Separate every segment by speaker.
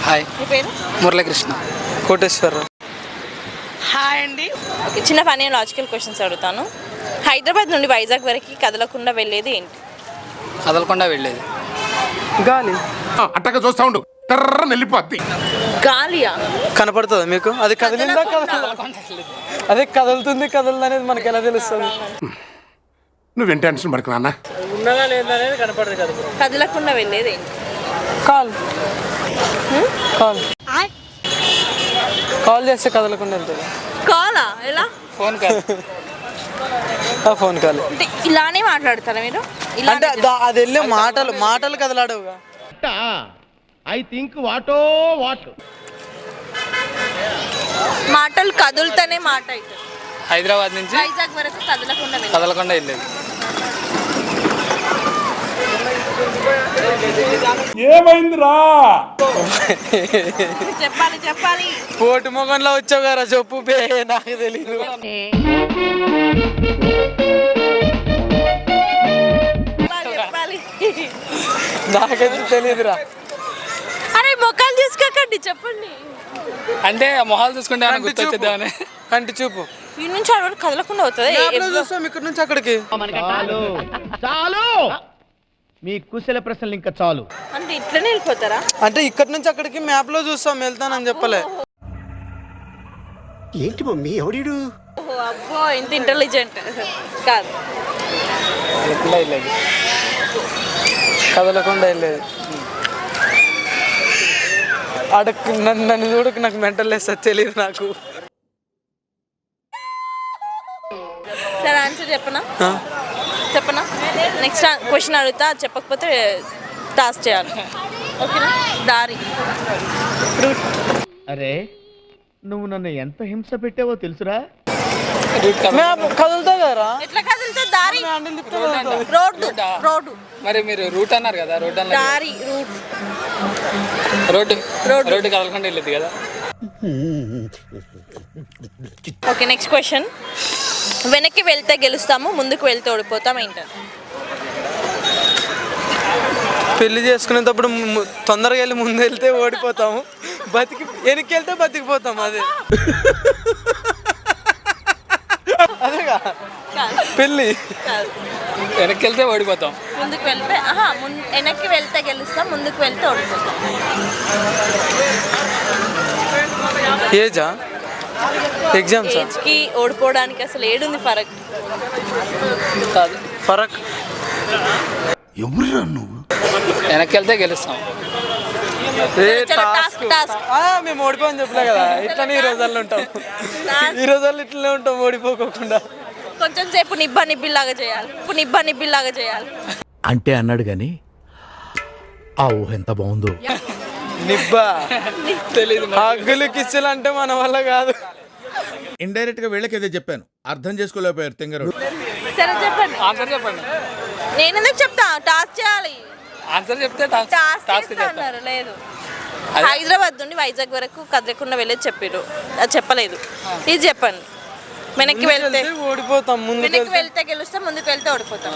Speaker 1: Hi.
Speaker 2: మీ పేరు?
Speaker 1: Muralikrishna.
Speaker 3: Koteswararao.
Speaker 2: Hi అండి. ఓకే, చిన్న ఫన్నీ లాజికల్ క్వశ్చన్స్ అడుగుతాను. హైదరాబాద్ నుండి వైజాగ్ వరకు కదలకుండా వెళ్ళేది ఏంటి?
Speaker 1: కదలకుండా వెళ్ళేది
Speaker 3: గాలి.
Speaker 4: అట్టగా చూస్తా ఉండు, తర్ర వెళ్ళిపోద్ది.
Speaker 2: గాలియా?
Speaker 3: కనపడుతుందా మీకు? అది కదిలిందా అదే కదులుతుంది కదలదు అనేది మనకి ఎలా తెలుస్తుంది?
Speaker 4: నువ్వేం టెన్షన్ పడకు నాన్న.
Speaker 3: ఉన్నదా లేదా అనేది కనపడదు కదా.
Speaker 2: కదలకుండా వెళ్ళేది ఏంటి?
Speaker 3: కాల్ కాల్ కాల్ చేస్తే కదలకుండా వెళ్తుంది.
Speaker 2: కాలా? ఎలా?
Speaker 1: ఫోన్ కాదు.
Speaker 3: ఫోన్ కాల్
Speaker 2: అంటే ఇలానే మాట్లాడతారా మీరు?
Speaker 3: అంటే అది వెళ్ళే మాటలు కదలాడవుగా.
Speaker 4: ఐ థింక్ వాటో వాట్.
Speaker 2: మాటలు కదులుతూనే మాట అవుతుంది.
Speaker 1: హైదరాబాద్ నుంచి
Speaker 2: వైజాగ్ వరకు కదలకుండా వెళ్ళేది.
Speaker 1: కదలకుండా వెళ్ళేది
Speaker 4: ఏమైందిరా?
Speaker 2: చెప్పాలి.
Speaker 3: పోటు మొగంలో వచ్చావు కదా, చెప్పు బే. నాకు తెలీదు.
Speaker 2: చెప్పాలి.
Speaker 3: నాకైతే తెలియదురా.
Speaker 2: అరే మొక్కలు తీసుకోకండి, చెప్పండి.
Speaker 1: అంటే మొహాలు చూసుకుంటే ఏమైనా గుర్తొచ్చేద్దామని.
Speaker 3: కంటి చూపు.
Speaker 2: ఈ నుంచి అక్కడ వరకు కదలకుండా అవుతుంది.
Speaker 3: చూస్తాం ఇక్కడ నుంచి అక్కడికి.
Speaker 5: చాలు మీ కుశల ప్రశ్నలు ఇంకా చాలు.
Speaker 2: అంటే ఇట్లనే వెళ్ళిపోతారా?
Speaker 3: అంటే ఇక్కడ నుంచి అక్కడికి మ్యాప్ లో చూస్తాం, వెళ్తానని చెప్పలే.
Speaker 5: ఏంటి మమ్మీ ఎవడీడు?
Speaker 2: అబ్బో, ఇంత ఇంటెలిజెంట్ కాదు.
Speaker 1: కదలకుండా వెళ్ళేది.
Speaker 3: కదలకుండా వెళ్ళేది. అడక్ నన్ను చూడకు, నాకు మెంటల్ లేదు సార్, తెలియదు నాకు.
Speaker 2: సరే, ఆన్సర్ చెప్పనా? నెక్స్ట్ క్వశ్చన్ అడుగుతా, చెప్పకపోతే టాస్క్ చేయాలి. ఓకేనా? దారి, రూట్.
Speaker 5: అరే నువ్వు నన్ను ఎంత హింస పెట్టావో తెలుసురా?
Speaker 3: కదులుతా కదరా.
Speaker 2: ఎట్లా కదులుతా? దారి, రోడ్డు.
Speaker 1: మరి మీరు రూట్ అన్నారు కదా, రోడ్ అన్నారు.
Speaker 2: దారి,
Speaker 1: రోడ్డు కదలకుండా వెళ్ళేది కదా.
Speaker 2: Okay, next question. వెనక్కి వెళ్తే గెలుస్తాము, ముందుకు వెళ్తే ఓడిపోతాం ఏంటంటే?
Speaker 3: పెళ్లి చేసుకునేటప్పుడు తొందరగా వెళ్ళి ముందు వెళ్తే ఓడిపోతాము, వెనక్కి వెళ్తే బతికిపోతాం. అదేగా పెళ్ళి.
Speaker 1: వెనక్కి వెళ్తే ఓడిపోతాం,
Speaker 2: ముందుకు వెళ్తే వెనక్కి వెళ్తే గెలుస్తాం, ముందుకు వెళ్తే ఓడిపోతాం.
Speaker 3: ఏజా? ఎగ్జామ్స్
Speaker 2: ఏజ్కి ఓడిపోవడానికి అసలు ఏడుంది ఫరక్?
Speaker 1: కాదు.
Speaker 3: ఫరక్.
Speaker 4: ఎవరురా నువ్వు?
Speaker 1: వెనక్కి వెళ్తే గెలుస్తాం.
Speaker 3: మేము ఓడిపోని చెప్పలే కదా, ఇట్లానే ఈ రోజుల్లో ఉంటాం. ఈ రోజుల్లో ఇట్లనే ఉంటాం, ఓడిపోకుండా.
Speaker 2: కొంచెం సేపు నిబ్బిల్లాగా చేయాలి.
Speaker 5: అంటే అన్నాడు గాని ఆ ఊహ ఎంత బాగుందో.
Speaker 3: నిబ్బా
Speaker 1: తెలీదు.
Speaker 3: హగ్గులు కిస్సులు అంటే మన వల్ల కాదు.
Speaker 6: ఇండైరెక్ట్ గా వీళ్ళకేదో చెప్పాను, అర్థం చేసుకోలేకపోయారు తింగరు.
Speaker 2: సరే చెప్పండి.
Speaker 1: ఆన్సర్ చెప్పండి.
Speaker 2: నేను ఎందుకు చెప్తా? టాస్క్ చేయాలి.
Speaker 1: ఆన్సర్ చెప్తే
Speaker 2: టాస్క్ అన్నారు. లేదు, హైదరాబాద్ నుండి వైజాగ్ వరకు కదలకుండా వెళ్ళేది చెప్పారు, అది చెప్పలేదు. ఇది చెప్పండి. వెనక్కి వెళ్తే
Speaker 3: ఓడిపోతాం,
Speaker 2: వెనక్కి వెళ్తే గెలుస్తాం, ముందుకు వెళ్తే ఓడిపోతాం.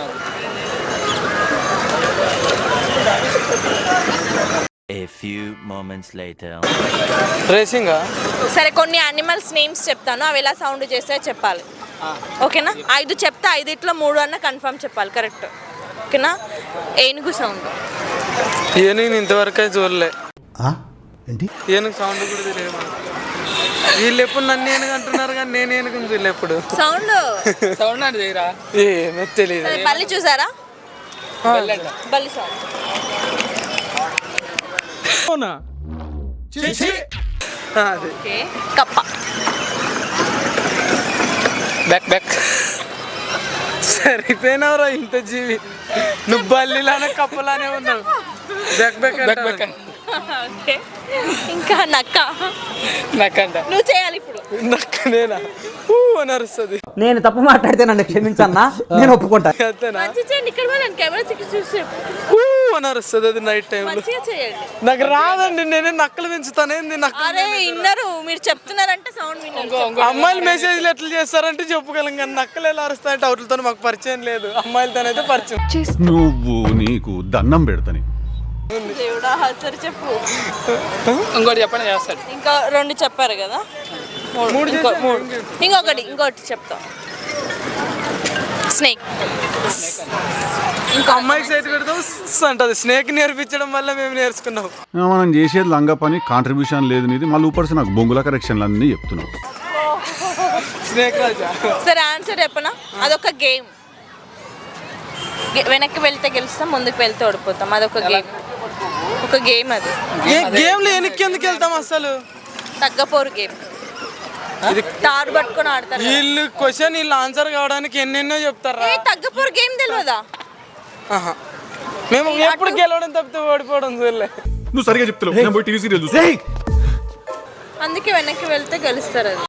Speaker 7: A few moments later.
Speaker 3: రేసింగా.
Speaker 2: సరే, కొన్ని యానిమల్స్ నేమ్స్ చెప్తాను, అవి ఎలా సౌండ్ చేస్తే చెప్పాలి. ఓకేనా? 5 చెప్తే 5 3 అన్న కన్ఫర్మ్ చెప్పాలి. కరెక్ట్? ఓకేనా? ఏనుగు సౌండ్.
Speaker 3: ఏనుగు ఇంతవరకు చూడలే.
Speaker 5: ఏంటి?
Speaker 3: ఏనుగు సౌండ్ కూడా తెలియదు. వీళ్ళు ఎప్పుడు నన్ను ఏనుగు అంటున్నారు కానీ నేను ఏనుగు చూడలే ఎప్పుడు.
Speaker 2: సౌండ్
Speaker 1: అంటే చేయరా?
Speaker 3: ఏమో తెలియదు.
Speaker 2: బల్లి చూసారా? బల్లి సౌండ్. కప్ప.
Speaker 1: బ్యాక్.
Speaker 3: సరిపోయినవరా ఇంత జీవి. నువ్వు బల్లిలానే కప్పలానే ఉన్నావు. బ్యాక్.
Speaker 2: ఇంకా నక్క
Speaker 1: అంట.
Speaker 2: నువ్వు చేయాలి ఇప్పుడు.
Speaker 3: నక్క నేనా? అని అరుస్తుంది.
Speaker 8: నేను తప్పు మాట్లాడితే నన్ను క్షమించన్నా, నేను ఒప్పుకుంటా.
Speaker 2: ఇక్కడ కెమెరా చూసి
Speaker 3: అని అరుస్తుంది అది నైట్ టైం.
Speaker 2: చేయండి.
Speaker 3: నాకు రాదండి, నేనే నక్కలు పెంచుతానేంది.
Speaker 2: అరే విన్నరు, మీరు చెప్తున్నారంటే సౌండ్ విన్నారు.
Speaker 3: అమ్మాయిలు మెసేజ్లు ఎట్లా చేస్తారంటే చెప్పగలం, కానీ నక్కలు ఎలా అరుస్తాయంటే అవుట్లతో మాకు పరిచయం లేదు. అమ్మాయిలతోనైతే పరిచయం.
Speaker 6: నువ్వు నీకు దండం పెడతాని
Speaker 2: దేవుడా సరే చెప్పు.
Speaker 1: ఇంకోటి చెప్పండి చేస్తాడు.
Speaker 2: ఇంకా 2 చెప్పారు కదా, 3 ఇంకోటి చెప్తా. స్నేక్.
Speaker 3: ఇంకా అమ్మాయికి సైట్ పెడతాం అంటది. స్నేక్ నేర్పించడం వల్ల మేము నేర్చుకున్నాం.
Speaker 9: మనం చేసేది లంగా పని, కాంట్రిబ్యూషన్ లేదు నీది, మళ్ళీ ఊపర్సి నాకు బొంగుల కరెక్షన్లు అన్నీ చెప్తున్నావు.
Speaker 3: స్నేక్ రాజా.
Speaker 2: సరే ఆన్సర్ చెప్పనా? అదొక గేమ్. వెనక్కి వెళ్తే గెలుస్తాం, ముందుకు వెళ్తే ఓడిపోతాం. అదొక గేమ్. ఒక గేమ్ అది.
Speaker 3: గేమ్ లో వెనక్కి ఎందుకు వెళ్తాం అసలు?
Speaker 2: తగ్గపోరు గేమ్. ఇది తారు పట్టుకొని ఆడతారు.
Speaker 3: వీళ్ళు క్వశ్చన్ వీళ్ళు ఆన్సర్ కావడానికి ఎన్నెన్నో చెప్తారా.
Speaker 2: తగ్గపోరు గేమ్ తెలియదా?
Speaker 3: మేము ఎప్పుడు గెలవడం తప్పితే ఓడిపోవడం చూడలే.
Speaker 9: నువ్వు సరిగా చెప్తున్నావు, నేను పోయి టీవీ సీరియల్ చూస్తా.
Speaker 2: అందుకే వెనక్కి వెళ్తే గెలుస్తారు. అది.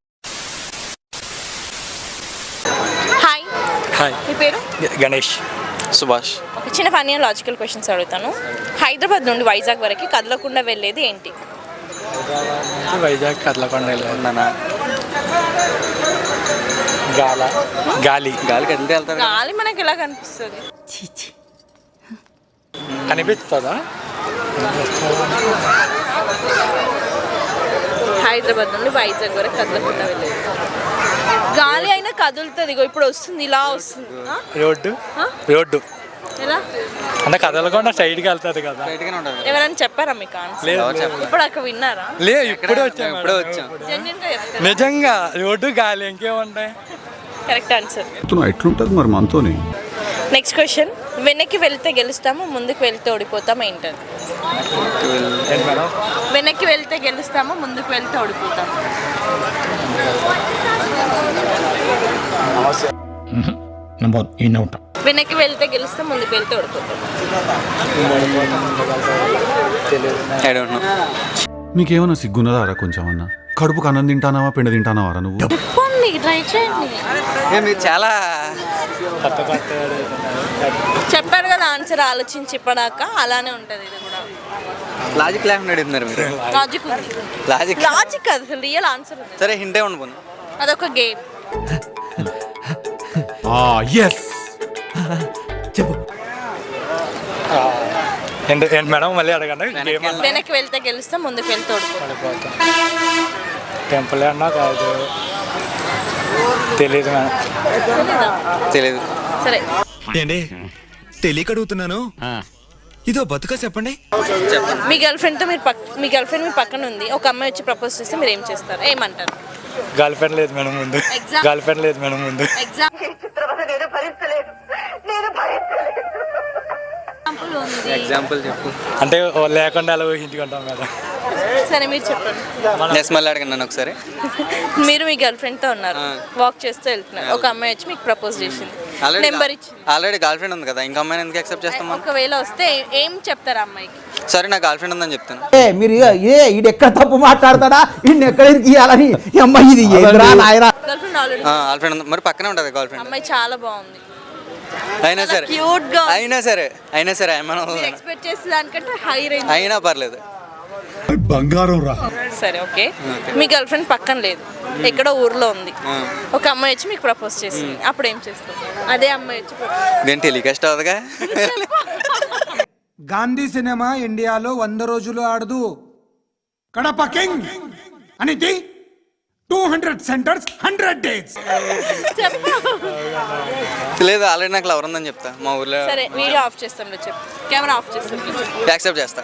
Speaker 2: హాయ్.
Speaker 1: హాయ్.
Speaker 2: మీ పేరు?
Speaker 1: గణేష్.
Speaker 3: సుభాష్.
Speaker 2: ఒక చిన్న ఫన్నీ లాజికల్ క్వశ్చన్స్ అడుగుతాను. హైదరాబాద్ నుండి వైజాగ్ వరకు కదలకుండా వెళ్ళేది ఏంటి?
Speaker 1: వైజాగ్ కదలకుండా గాలి. గాలి కదిలితే వెళ్తారు.
Speaker 2: గాలి మనకి ఎలా కనిపిస్తుంది?
Speaker 1: కనిపిస్తుందా?
Speaker 2: హైదరాబాద్ నుండి వైజాగ్ వరకు కదలకుండా వెళ్ళేది గాలి అయినా కదులుతుంది. ఇగో ఇప్పుడు వస్తుంది, ఇలా వస్తుంది.
Speaker 1: రోడ్డు
Speaker 2: ఎలా
Speaker 1: అంటే కదలకుండా స్ట్రైట్గా వెళ్తుంది కదా.
Speaker 2: ఎవరైనా చెప్పారా మీకు ఆన్సర్? ఇప్పుడు అక్కడ విన్నారా?
Speaker 1: లేదు, ఇప్పుడే వచ్చాం.
Speaker 2: Genuine గా చెప్తారా?
Speaker 1: నిజంగా రోడ్డు గాలి ఇంకేముంటాయి.
Speaker 2: Correct answer.
Speaker 9: ఎట్లుంటుంది మరి మనతోని?
Speaker 2: Next question. వెనక్కి వెళ్తే గెలుస్తాము, ముందుకు వెళ్తే ఓడిపోతాం ఏంటది? వెనక్కి వెళ్తే గెలుస్తాము, ముందుకు వెళ్తే ఓడిపోతాం. వెనక్కి వెళ్తే గెలుస్తాం, ముందుకు వెళ్తే ఓడిపోతాం.
Speaker 9: నీకేమన్నా సిగ్గున్నదారా కొంచెం అన్నా? కడుపుకు అన్నం తింటానావా, పిండ తింటానావారా నువ్వు?
Speaker 2: చెప్పండి, ట్రై చేయండి.
Speaker 3: చాలా
Speaker 2: చెప్పారు కదా ఆన్సర్ ఆలోచించి చెప్పడాక, అలానే ఉంటుంది ఇది కూడా.
Speaker 3: లాజిక్ లేకుండా అడుగుతున్నారు మీరు.
Speaker 2: లాజిక్ ఉంది. లాజిక్ అది అసలు రియల్ ఆన్సర్ ఉంది.
Speaker 3: సరే హింటే ఉండిపోను.
Speaker 2: అదొక గేమ్.
Speaker 5: చెప్పు.
Speaker 1: ఏంటి మేడం మళ్ళీ అడగండి.
Speaker 2: వెనక్కి వెళ్తే గెలుస్తాం, ముందుకు వెళ్తే ఓడిపోతాం.
Speaker 1: టెంపుల్ అన్నా కాదు, తెలీదు మేడం.
Speaker 3: తెలియదు.
Speaker 2: సరే
Speaker 10: ఏంటి తెలియక అడుగుతున్నాను, ఇదో బతుక చెప్పండి.
Speaker 2: మీ గర్ల్ ఫ్రెండ్ మీ పక్కన ఉంది, ఒక అమ్మాయి వచ్చి ప్రపోజ్ చేస్తే మీరు ఏం చేస్తారు? ఏమంటారు?
Speaker 1: గర్ల్ ఫ్రెండ్ లేదు మేడం ముందు.
Speaker 3: ఎగ్జాంపుల్ చెప్పు.
Speaker 1: అంటే లేకుండా అలా ఊహించుకుంటాం మేడం.
Speaker 2: సరే మీరు చెప్పండి.
Speaker 3: మళ్ళీ అడగండి ఒకసారి.
Speaker 2: మీరు మీ గర్ల్ ఫ్రెండ్ తో ఉన్నారు, వాక్ చేస్తూ వెళ్తున్నారు, ఒక అమ్మాయి వచ్చి మీకు ప్రపోజ్ చేసింది, నెంబర్ ఇచ్చింది.
Speaker 3: ఆల్రెడీ గర్ల్ ఫ్రెండ్ ఉంది కదా, ఇంకా అమ్మాయిని ఎందుకు యాక్సెప్ట్ చేస్తాం?
Speaker 2: ఒకవేళ వస్తే ఏం చెప్తారు అమ్మాయికి?
Speaker 3: సరే నా గర్ల్ ఫ్రెండ్ ఉందని చెప్తాను.
Speaker 8: మీరు ఈడు ఎక్కడ తప్పు మాట్లాడతాడా, ఈయన ఎక్కడ గీయాలని. అమ్మాయి ఇది ఏంద్రా నాయరా.
Speaker 2: Girl friend already
Speaker 3: girl friend ఉంది, మరి పక్కనే ఉంటుంది గర్ల్ ఫ్రెండ్.
Speaker 2: అమ్మాయి చాలా బాగుంది,
Speaker 3: అయినా సరే
Speaker 2: క్యూట్ గా.
Speaker 3: అయినా సరే
Speaker 2: ఎక్స్పెక్ట్ చేసే దానికంటే హై రేంజ్.
Speaker 3: అయినా పర్లేదు.
Speaker 9: బంగారం రా.
Speaker 2: సరే ఓకే. మీ గర్ల్ ఫ్రెండ్ పక్కన లేదు, ఎక్కడో ఊర్లో ఉంది, ఒక అమ్మాయి వచ్చి మీకు ప్రపోజ్ చేసింది, అప్పుడు ఏం చేస్తారు? అదే అమ్మాయి వచ్చి
Speaker 3: దేని టెలికాస్ట్ అవుతుందిగా.
Speaker 11: గాంధీ సినిమా ఇండియాలో 100 రోజులు ఆడదు. కడప కింగ్ అనేది 200 సెంటర్స్ 100 డేస్.
Speaker 3: లేదు, ఆల్రెడీ నాకు లవర్ ఉందని చెప్తా మా ఊర్లో.
Speaker 2: సరే వీడియో ఆఫ్ చేస్తాం, చెప్పు. కెమెరా ఆఫ్ చేస్తాం.
Speaker 3: యాక్సెప్ట్ చేస్తా.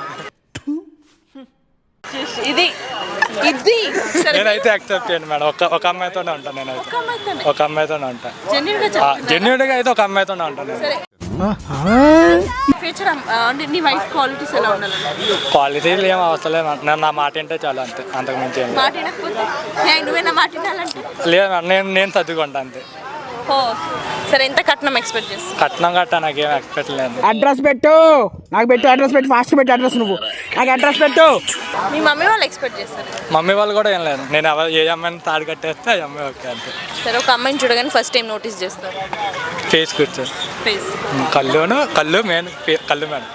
Speaker 2: ఇది సరే
Speaker 1: నేనైతే యాక్సెప్ట్ చేయండి మేడం. ఒక అమ్మాయితోనే ఉంటాను నేనైతే. ఒక అమ్మాయితోనే ఉంటాను. జెన్యూన్గా అయితే ఒక అమ్మాయితోనే ఉంటాను.
Speaker 2: సరే ఫ్యూచర్ అంటే నీ వైఫ్ క్వాలిటీస్ ఎలా ఉండాలి?
Speaker 1: క్వాలిటీలు ఏం అవసరం లేదు, నా మాట ఏంటో చాలా, అంతే, అంతకు మించి ఏం
Speaker 2: మాట వినకపోతే నువ్వే నా మాట వినాలంటే
Speaker 1: లేదు. నేను చదువుకుంటా అంతే.
Speaker 2: ఓ సరే, ఎంత కట్నం ఎక్స్పెక్ట్ చేస్తాను?
Speaker 1: కట్నం నాకేం ఎక్స్పెక్ట్ లేదు.
Speaker 8: అడ్రస్ పెట్టు, నాకు పెట్టు అడ్రస్ పెట్టు, ఫాస్ట్ పెట్టు అడ్రస్. నువ్వు నాకు అడ్రస్ పెట్టు.
Speaker 2: మీ మమ్మీ వాళ్ళు ఎక్స్పెక్ట్ చేస్తారు?
Speaker 1: మమ్మీ వాళ్ళు కూడా ఏం లేదు, నేను ఏ అమ్మాయిని తాడు కట్టేస్తే ఆ అమ్మాయి ఓకే అంతే.
Speaker 2: సరే ఒక అమ్మాయిని చూడగానే ఫస్ట్ టైం నోటీస్ చేస్తారు?
Speaker 1: ఫేస్ కూర్చొని.
Speaker 2: ఫేస్.
Speaker 1: కళ్ళు మెయిన్. కళ్ళు మేడం.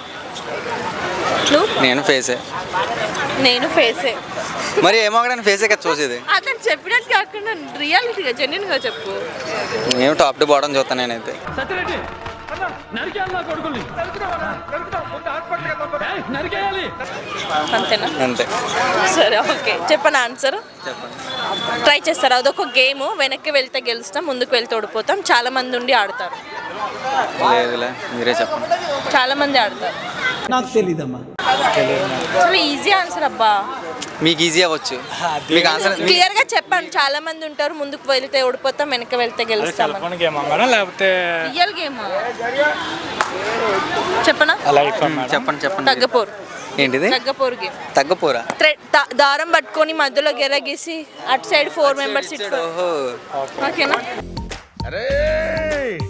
Speaker 3: నేను ఫేసే. మరి ఏమో ఫేసే కదా చూసేది.
Speaker 2: అతను చెప్పినట్టు కాకుండా రియాలిటీగా జెన్యూన్గా చెప్పు.
Speaker 3: నేను టాప్ టు బాటం చూస్తాను నేనైతే.
Speaker 2: అంతేనా?
Speaker 3: అంతే.
Speaker 2: సరే ఓకే, చెప్పండి ఆన్సర్. ట్రై చేస్తారు. అదొక గేమ్. వెనక్కి వెళ్తే గెలుస్తాం, ముందుకు వెళ్తే ఓడిపోతాం. చాలా మంది ఉండి ఆడతారు.
Speaker 3: లేదులే, మీరే చెప్పండి.
Speaker 2: చాలా మంది ఆడతారు.
Speaker 8: నాకు తెలీదమ్మా.
Speaker 2: చాలా ఈజీ ఆన్సర్ అబ్బా.
Speaker 3: మీకు ఈజీ అవ్వచ్చు. మీకు ఆన్సర్
Speaker 2: క్లియర్ గా చెప్పండి. చాలా మంది ఉంటారు, ముందుకు వెళ్తే ఓడిపోతాం, వెనక్కి వెళ్తే గెలుస్తాం.
Speaker 1: సెల్ ఫోన్ గేమ్ మేడం లేకపోతే
Speaker 2: రియల్ గేమ్ చెప్పనా?
Speaker 1: లైఫ్
Speaker 3: చెప్పండి చెప్పండి.
Speaker 2: తగ్గపోరు.
Speaker 3: ఏంటిది?
Speaker 2: తగ్గపోరు గేమ్.
Speaker 3: తగ్గపోరా?
Speaker 2: దారం పట్టుకొని మధ్యలో గెరగేసి అటు సైడ్ 4 మెంబర్స్ ఇటు. ఓకేనా?
Speaker 6: అరే